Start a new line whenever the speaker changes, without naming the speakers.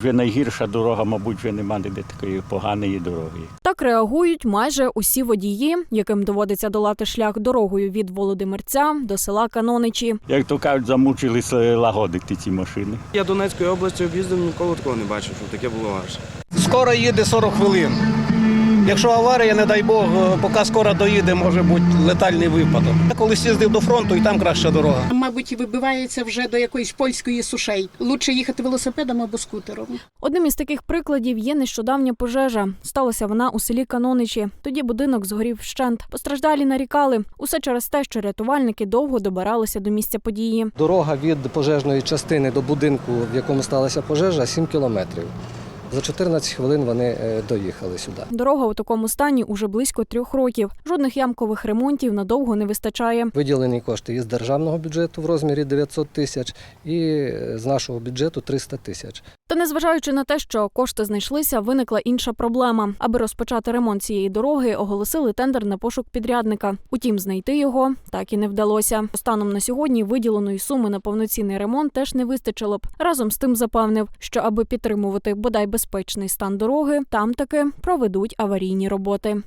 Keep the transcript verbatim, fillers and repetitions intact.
Вже найгірша дорога, мабуть, вже немає де такої поганої дороги.
Так реагують майже усі водії, яким доводиться долати шлях дорогою від Володимирця до села Каноничі.
Як то кажуть, замучилися лагодити ці машини.
Я Донецькою областю об'їздив, ніколи такого не бачив, що таке було аж.
Скоро їде сорок хвилин. Якщо аварія, не дай Бог, поки скоро доїде, може бути летальний випадок. Я колись їздив до фронту, і там краща дорога.
Мабуть, вибивається вже до якоїсь польської сушей. Лучше їхати велосипедом або скутером.
Одним із таких прикладів є нещодавня пожежа. Сталася вона у селі Каноничі. Тоді будинок згорів вщент. Постраждалі нарікали. Усе через те, що рятувальники довго добиралися до місця події.
Дорога від пожежної частини до будинку, в якому сталася пожежа, сім кілометрів. За чотирнадцять хвилин вони доїхали сюди.
Дорога у такому стані уже близько трьох років. Жодних ямкових ремонтів надовго не вистачає.
Виділені кошти із державного бюджету в розмірі дев'ятсот тисяч і з нашого бюджету триста тисяч.
Та незважаючи на те, що кошти знайшлися, виникла інша проблема. Аби розпочати ремонт цієї дороги, оголосили тендер на пошук підрядника. Утім, знайти його так і не вдалося. Станом на сьогодні виділеної суми на повноцінний ремонт теж не вистачило б. Разом з тим запевнив, що аби підтримувати бодай безпечний стан дороги, там таки проведуть аварійні роботи.